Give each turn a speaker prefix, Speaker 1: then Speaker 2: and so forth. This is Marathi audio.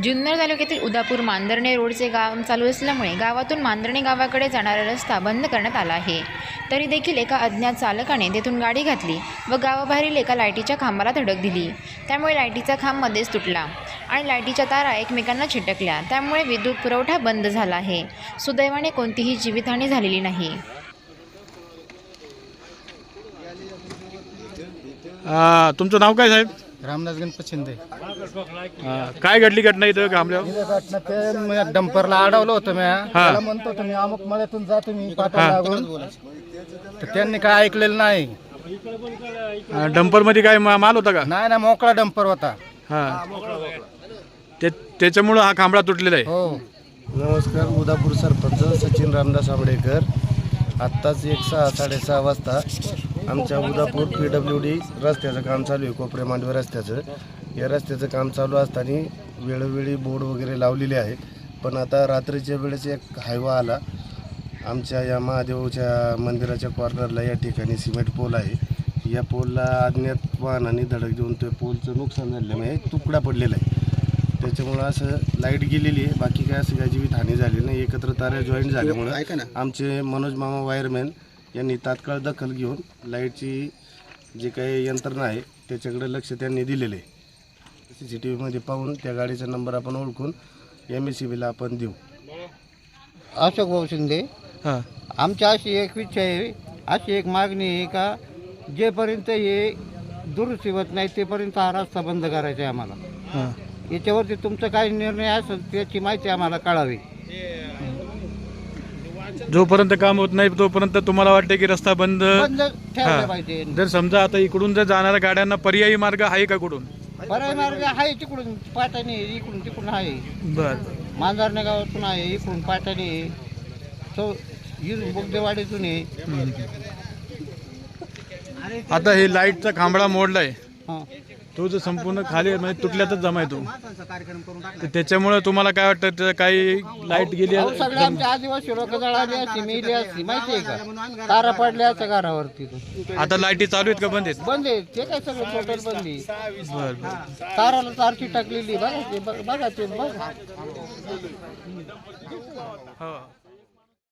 Speaker 1: जुन्नर तालुक्यातील उदापूर मांजर्णे रोडचे काम चालू असल्यामुळे गावातून मांजर्णे गावाकडे जाणारा रस्ता बंद करण्यात आला आहे. तरी देखील एका अज्ञात चालकाने तेथून गाडी घातली व गावाबाहेरील एका लाईटीच्या खांबाला धडक दिली. त्यामुळे लाईटीचा खांब मध्येच तुटला आणि लाईटीच्या तारा एकमेकांना चिटकल्या. त्यामुळे विद्युत पुरवठा बंद झाला आहे. सुदैवाने कोणतीही जीवितहानी झालेली नाही.
Speaker 2: तुमचं नाव काय साहेब?
Speaker 3: रामदास गणपत शिंदे.
Speaker 2: काय घडली घटना इथं थांबल्यावर?
Speaker 3: घटना ते डंपरला अडवलं होतं मी. त्याला म्हणतो तुम्ही अमुक मळ्यातून जा तुम्ही पाठवा लागून, तर त्यांनी काय ऐकलेलं नाही.
Speaker 2: डंपर मध्ये काय माल होता का?
Speaker 3: नाही ना, मोकळा डंपर होता.
Speaker 2: त्याच्यामुळं हा खांबळा तुटलेला आहे.
Speaker 3: हो. नमस्कार, उदापूर सरपंच सचिन रामदास आंबडेकर. आत्ताच 6:30 वाजता आमच्या उदापूर PWD रस्त्याचं काम चालू आहे, कोपरे मांडवे रस्त्याचं. या रस्त्याचं काम चालू असताना वेळोवेळी बोर्ड वगैरे लावलेले आहे. पण आता रात्रीच्या वेळेस एक हायवा आला. आमच्या या महादेवच्या मंदिराच्या कॉर्नरला या ठिकाणी सिमेंट पोल आहे. या पोलला अज्ञात वाहनाने धडक देऊन ते पोलचं नुकसान झाल्यामुळे तुकडा पडलेला आहे. त्याच्यामुळं असं लाईट गेलेली आहे. बाकी काय असं काय जीवित हानी झाली नाही. एकत्र तारा जॉईंट झाल्यामुळं आमचे मनोज मामा वायरमॅन यांनी तात्काळ दखल घेऊन लाईटची जी काही यंत्रणा आहे त्याच्याकडे लक्ष त्यांनी दिलेलं आहे. CCTVमध्ये पाहून त्या गाडीचा नंबर आपण ओळखून MSCBला आपण देऊ.
Speaker 4: अशोक भाऊ शिंदे. आमची अशी एक इच्छा आहे, अशी एक मागणी आहे का जेपर्यंत हे दुरुस्ती होत नाही तेपर्यंत हा रस्ता बंद करायचा आहे आम्हाला. याच्यावरती तुमचा काही निर्णय असेल त्याची माहिती आम्हाला कळावी.
Speaker 2: जोपर्यंत काम होत नाही तोपर्यंत तुम्हाला वाटते की रस्ता बंद
Speaker 4: ठेवला पाहिजे.
Speaker 2: जर समजा आता इकडून जर जाणाऱ्या गाड्यांना पर्यायी मार्ग आहे का? कुठून
Speaker 4: पर्याय मार्ग आहे? तिकडून पाटाने, इकडून तिकडून आहे.
Speaker 2: बर,
Speaker 4: मांजरणे गावातून आहे, इकडून पाटाने, तो बुगदेवाडीतून आहे.
Speaker 2: आता हे लाईटचा खांबळा मोडलाय,
Speaker 4: हां,
Speaker 2: तो जर संपूर्ण खाली म्हणजे तुटल्यातच जमाय तो, त्याच्यामुळे तुम्हाला काय वाटतं? काही लाईट गेली?
Speaker 4: सगळे आमचे आदिवासी लोक जळाली असती, मेली असती, माहिती आहे का? तारा पडल्या असं घरावरती.
Speaker 2: आता लाईटी चालू आहेत का बंद आहेत?
Speaker 4: बंद आहे ते, काय सगळं टोटल बंद आहे.
Speaker 2: बर,
Speaker 4: ताराला तारची टाकलेली बघा ते, बघा ते बघा.
Speaker 2: हो.